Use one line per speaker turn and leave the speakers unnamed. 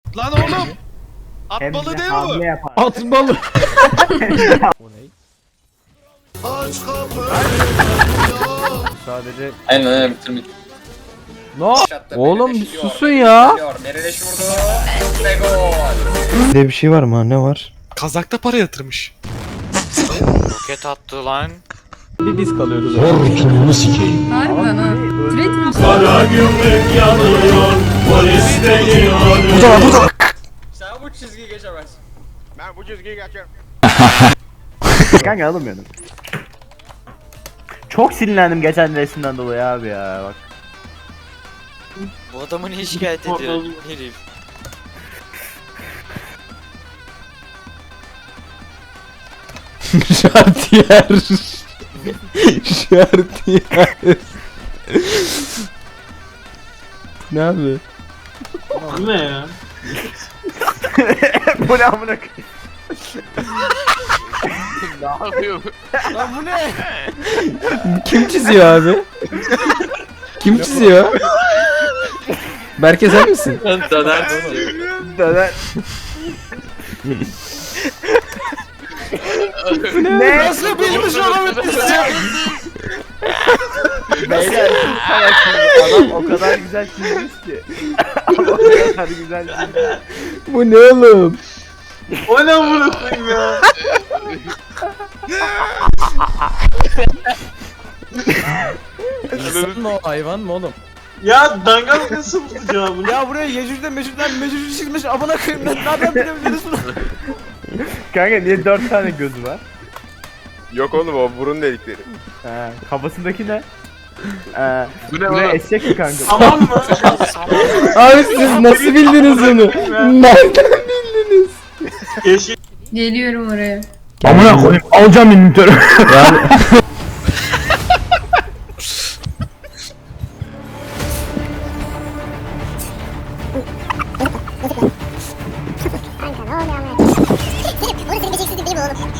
Lan oğlum. At
Hem
balığı
de
değil mi
hamle
bu?
yapar.
At balı. Sadece
Aynen bitirmiş.
no. Oğlum bir susun ya.
Nereleş vurdu. Ve gol.
Bir bir şey var mı? Ne var?
Kazakta para yatırmış.
Roket attı lan.
Bir biz kalıyoruz.
Harbiden ha. Türet mi?
Sen bu çizgiyi geçemezsin.
Ben bu çizgiyi geçerim.
Kanka alamıyordum. Çok sinirlendim geçen resimden dolayı abi ya bak.
Bu adamı niye şikayet ediyor herif?
Şartiyer. Şartiyer. Ne abi?
Bu ne amına
Lan bu ne?
Kim çiziyor abi? Kim çiziyor? Berke sen misin?
Döner.
Döner. Ne?
Nasıl bilmiş olabilirsin?
Beyler siz salaksınız. Adam o kadar güzel çizmiş ki. Adam o kadar güzel çizmiş.
Bu ne oğlum?
O ne amına koyayım ya?
İnsan mı o hayvan mı oğlum?
Ya dangal nasıl bulacağım bunu?
Ya buraya Yecüc'den Mecüc'ü çizmiş amına koyayım ben nereden bilebiliriz bunu?
Kanka niye 4 tane gözü var?
Yok oğlum o burun delikleri.
He, kafasındaki ne?
Bu ne
Bu
oğlum?
eşek mi kanka?
Tamam mı?
Abi siz nasıl bildiniz bunu? Nereden bildiniz?
Yeşil.
Geliyorum oraya.
Amına koyayım alacağım inventörü.
Yani